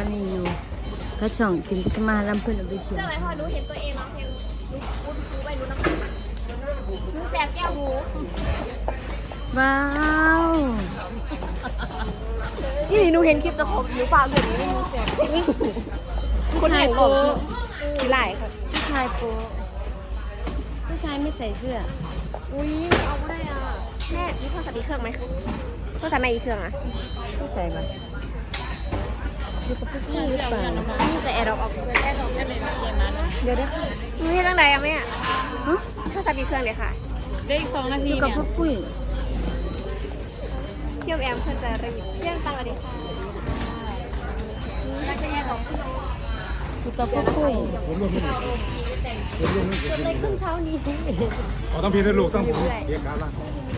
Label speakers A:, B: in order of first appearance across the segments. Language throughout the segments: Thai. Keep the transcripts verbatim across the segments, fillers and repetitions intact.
A: อนนี้อยู่กระช่องติมสมาลำเพื่อนเอาไปเชีย
B: เชื่อไหมพอหนูเห็นตัวเองร้องเพลงหนูคุ้นคูไปหนูน้ำตาหนูแสบแก้วหู
A: ว้าว
B: นี่หนูเห็นคลิปจะครบหรือเปล่าเดี๋ยวนี้หนูแสบ
A: ผู้ชายโป๊ะ
B: กี่หลายค่ะ
A: ผู้ชายโป๊ะผู้ชายไม่ใส่เสื้อ
B: อุ้ยเอาไม่ได้อ่ะแม่มีโทรศัพท์อีกเครื่องไหมโทรศัพท์ไหนอีกเครื่องอ่ะ
A: ผู้ใส่ปะอยู่กับผู้ชายหรือเปล่า
B: นี่จะแอร์ดรอปออกเพื่อนแอร์ดรอปกันเลยนะเย็นมานะเดี๋ยวได้ค่ะหนูเห็นตั้งใดอ่ะแม่
A: ฮะ
B: โทรศัพท์อีกเครื่องเลยค่ะได้อีกสองนา
A: อ
B: ที
A: ยู่กับพ่อปุ้ย
B: เที่ยวแอมเพื่อนจะรีบเที่ยงตังค์เลยค่ะแล้วจะแยกออก
A: อยู่กับพ่อปุ้ย
C: ผมรวมไม่หมดผมรวมไม่หมด
B: ในครึ่งเช้านี้
C: อ๋อต้องพีให้ลูกต้องผมเรียกการล่าง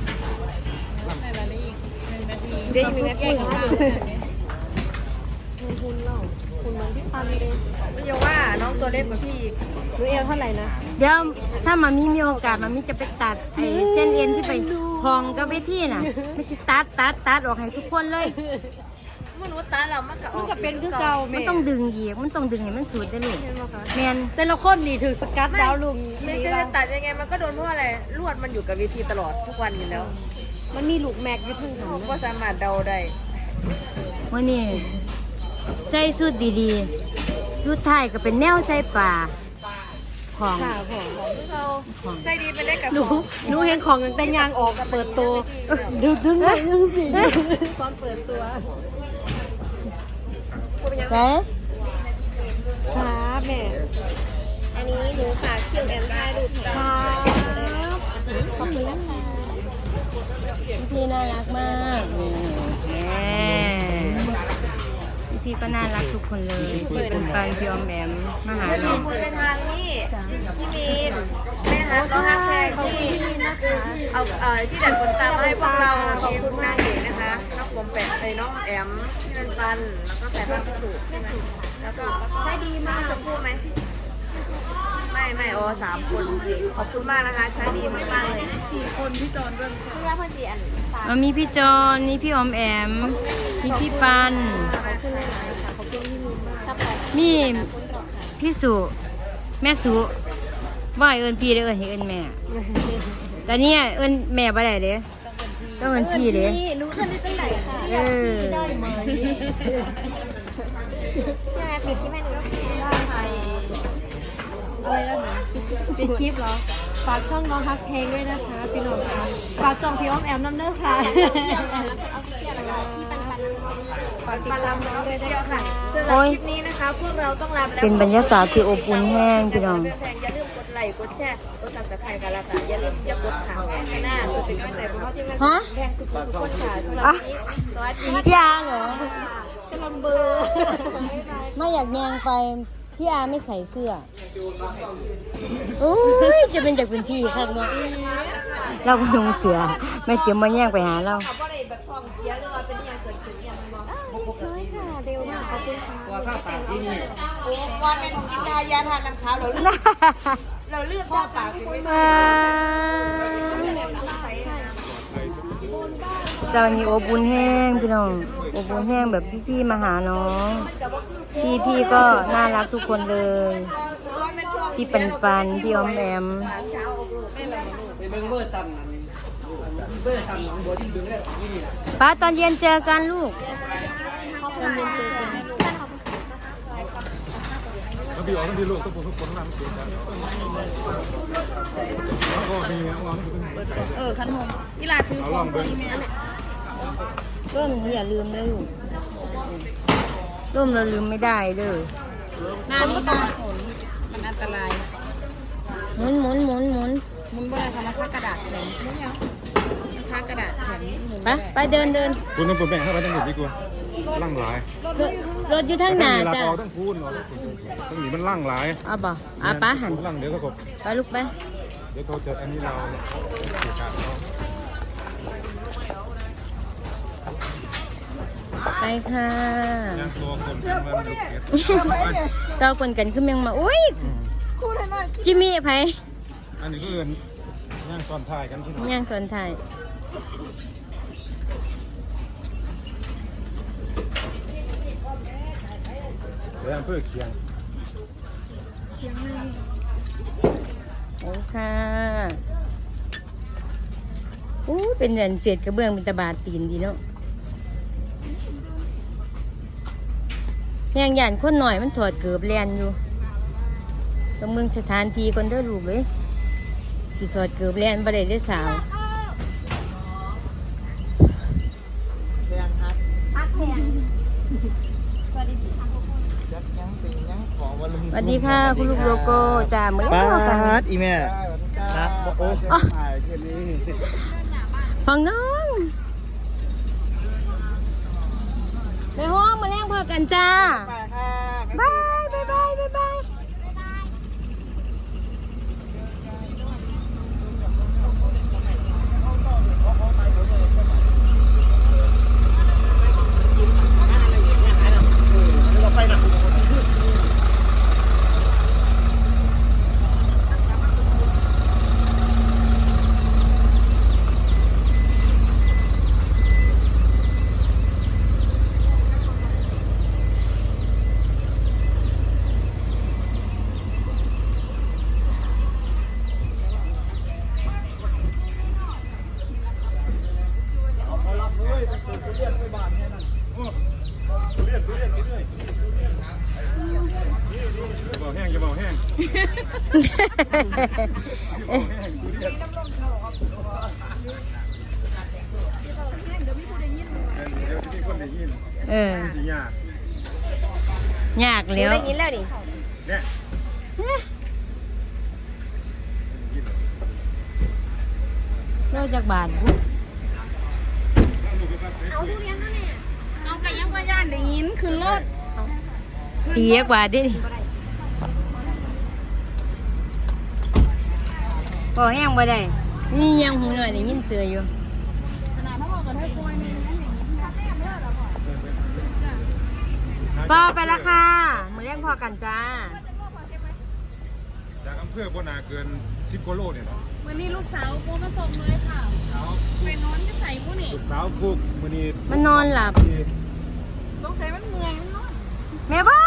B: เดี๋ยวอีกหนึ่งนาทีคุณเล่าคุณมันพี่ปันเลยมันยังว่าน้องตัวเล็กกว่าพี่หนูเอวเท่าไหร่นะ
A: เดี๋ยวถ้ามามีมีโอกาสมามีจะไปตัดไอ้เส้นเอ็นที่ไปคลองกับเวทีน่ะ ไม่ใช่ตัดตัดตัดออกให้ทุกคนเลย
B: มนุษย์ตาเรามันก็มันก็เป็นคือเก่า
A: มันต้องดึงอีกมันต้องดึงให้มันสุดได้เลยแมน
B: แต่ละคนนี่ถือสกัดดาวลุง
D: ไม่จะตัดยังไงมันก็โดนเพราะอะไรลวดมันอยู่กับเวทีตลอดทุกวันอยู่แล้ว
B: มันมีลูกแม็กอยู่ทั้งหั
D: เรา
B: น
D: ก็สามารถเดาได้
A: วันนี้ใส่สุดดีๆสุดท้ายก็เป็นแนวใส่ป่าของ
B: ค่ะผม
D: เราใส่ดีไปได้กับ
B: หนูหนูเห็นของตั้งแต่ยางออกเปิดตัวดึงดึงเลยดึงสิตอนเปิดตัว
A: ใส่
B: ครับแม่อันนี้หนูฝากคิวแอมได้ลูกครับขอบคุณนะคะ
A: พี่น่ารักมากนี่แม่พี่ก็น่ารักทุกคนเลยพี่เป็นปันพี่ออมแอมมาหา
D: ข
A: เรา
D: อบคุณไปทางนี่พี่มีนแม่ฮักน้องฮักแชร์ที่เอาเอ่อที่ดัดขนตามาให้พวกเราขอบคุณนางเอกนะคะน้องผมแปะไอ้น้องแอมที่เป็นปันแล้วก็แปะบ้านพิสูจน์ใช่ไหมแล้วก็ใช้ดีมากชมพู่ไหมไม่ไม่โอ้สามคนขอบคุณมากนะคะใช้ดีมากมากเลยสี่คนพี่จอนด้วยเพื่อพ่อจีอัน
A: มันมีพี่จอนมีพี่ออมแอมมีพี่ปันมีพี่สุแม่สุว่าให้เอิญพี่เด้อเอิญให้เอิญแม่ แต่เนี่ยเอิญแม่บ่ได้เด้ต้องเอิญพี่เด้
B: นี่หนูขึ้นได้จังไหนค่ะ
A: เออ
B: ได้ไหมยังไงปิดคลิปให้หนูได้ค่ะอะไรแล้วนะปิดคลิปเหรอฝากช่องน้องฮักเพลงด้วยนะคะพี่น้องค่ะฝากช่องพี่อ้อมแอมน้ำเนื้อค่ะฝากติดตามน้องด้วยนะคะ
D: สำหรับคลิปนี้นะคะพวกเราต้องลาแล้ว
A: เป็นบรรยากาศที่อบอุ่นแห้งพี่น้อง
D: อย่าลืมกดไลค์กดแชร์กดซับสไครต์กันแล้วกันอย่าลืมอย่ากดข่าวหน้าเพื่อเป็นกำลังใจพวกเราที่มัน
A: ฮะ
D: แพงสุดๆทุกคนค่ะสำหรับวันนี้สวัสดี
A: พี่อาเหรอ
B: กำลังเบอร์
A: ไม่อยากแยงไปพี่อาไม่ใส่เสื้ออุ้ยจะเป็นจากเป็นพี่ครับเนาะเราก็ยงเสือไม่เตรียมมาแย่งไปหาเรา
D: เขาบอกเลยแบบทองเสียหรือว่าเป็นอย่างเกิดขึ้นอย่างมอง
B: น้อยค่ะเร็วมากขอบคุณค่ะ
C: ว่าข้าวปากที่นี่
D: โอ้ก่อนเป็นกินทายาทานน้ำขาวเราเลือกเราเลือกข้าวปากคือไม่ได้
A: เจ้านี้อบอุ่นแห้งพี่น้องอบอุ่นแห้งแบบพี่ๆมาหาน้อง พี่ๆก็น่ารักทุกคนเลยพี่ปันปันพี่ออมแอม
C: ไปเบิ้งเบอร์ซ้ำนั่นเบอร์ซ้ำน้องบัวที่ดึงได้ยี่นี่แหละ
A: ป้าตอนเย็นเจอกันลูกตอนเย็นเจอกัน
C: ต้องพี่ออกต้องพี่ลูกต้องผมทุกคนต้องทำเสียกันแล้วก็มีน้อง
D: เออขันหงอีหลาถือ
C: เอาลองเบิ้ง
A: ร่มอย่าลืมนะลูกร่มเราลืมไม่ได้เด้อ
D: น้ำก็ตาฝนมันอันตราย
A: หมุนหมุนหมุนหมุน
D: มุนบ่ได้ทำมาค่ากระดาษแข็งมุนยังค่ากระดาษแข็งหมุน
A: ไปไปเดินเดิน
C: คุณต้องปวดแบ่งเข้าไปต้องหมดดีกว่าล่างหลาย
A: รถอยู่ทางหน้า
C: จ้ะ
A: จ้ะ
C: ต้องพูดเนาะต้องหนีมันล่างหลาย
A: เอาบ่เอาป้าหัน
C: ล่างเดี๋ยวก็กบ
A: ไปลูกไป
C: เดี๋ยวเขาจะอันนี้เราเสียการเขา
A: ไปค่ะ
C: ย่างตัวคนเป็นมันดุเก็ด
A: เจ้าคนกันขึ้นเมียงมาอุ้ยจิมมี่ไผ
C: อันนี้ก็เอินย่างซ้อนท้ายกันที่
A: ย่างสวนไทย
E: เรื่องเพื่อเคียง
A: โอ้ค่ะอู้เป็นเหรียญเศษกระเบื้องเป็นตะบาดตีนดีเนาะแม่งหยานคนหน่อยมันถอดเกือบแลนอยู่ต้องเมืองสถานที่คนเด้อลูกเลยสิถอดเกือบแลนบ่ได้ได้อสาว
C: แดงฮัท
B: พักแพง
C: ยักยังเป็นยังขอวันละ
A: สวัสดีค่ะคุณลูกโลโก้จ้าเมื่อ
C: ป้า
A: เช้ากัน
C: ดอีแม่ครับโอ้ถ่ายแค่นี้
A: ฟังน้องในห้องมาแล้งพอกันจ้า
C: ไปค่ะ
A: บายบายบายบายบาย
E: จะบอกแห้งจะบอกแห้งเดี๋ยวมีคนได้ยิน
A: เออ
E: สิยาก
A: ยากแล้ว
D: ได้ยินแล้วดิ
E: เนี่ย
A: เราจากบาท
D: เอาทุเรียนนั่นเนี่ยเอาไก่ยังว่าย่านได้ยินขึ้นรถ
A: ตีกว่าดิพอแห้งบ่ได้นี่ยังหูหน่อยได้ยินเสืออยู่พอไปละค่ะมือแรงพอกันจ้า
E: จากอำเภอบ่นาเกินสิบกิโลเนี่ยเนาะ
D: วันนี้ลูกสาวโมมาส่งเลยค่ะไปนอนจะใส่ผู้นี่
E: ลูกสาวฟุกมื้อนี้
A: มันนอนหลับ
D: สงสัยมันเมื่อยมันนอน
A: แม่พ่อ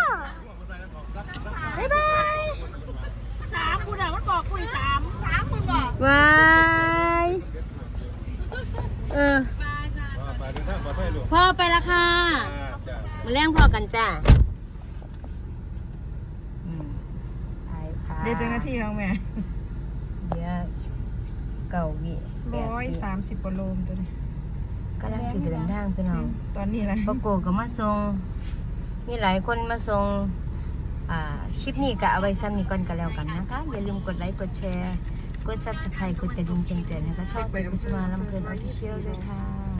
A: บ๊ายบาย
D: สามคุณอ่ะมันบอกคุยสามสามคุณบอก
A: บายเออ
E: ว่าไปเดินทางปลอดภัยลูก
A: พ่อไปละค่ะ
E: จ้า
A: มาแรงพอกันจ้าไปค่ะ
C: เดี๋ยวเจ้าหน้าที่ของแม่
A: เดี๋ยวเก่าวิแปด
C: ร้อย
A: วิ
C: สามสิบกว่าโลมตัวนี้
A: กำลังสิเดินทางพี่น้อง
C: ตอนนี้แหละ
A: ปะโกก็มาส่งมีหลายคนมาส่งอ่าคลิปนี้ก็เอาไว้ซ้ำนี้ก่อนกันแล้วกันนะคะ อย่าลืมกดไลค์ กดแชร์ กด ซับสไครบ์ กดกระดิ่งแจ้งเตือนนะคะชอบเป็นกุศลลำเพลินออฟฟิเชียลด้วยค่ะ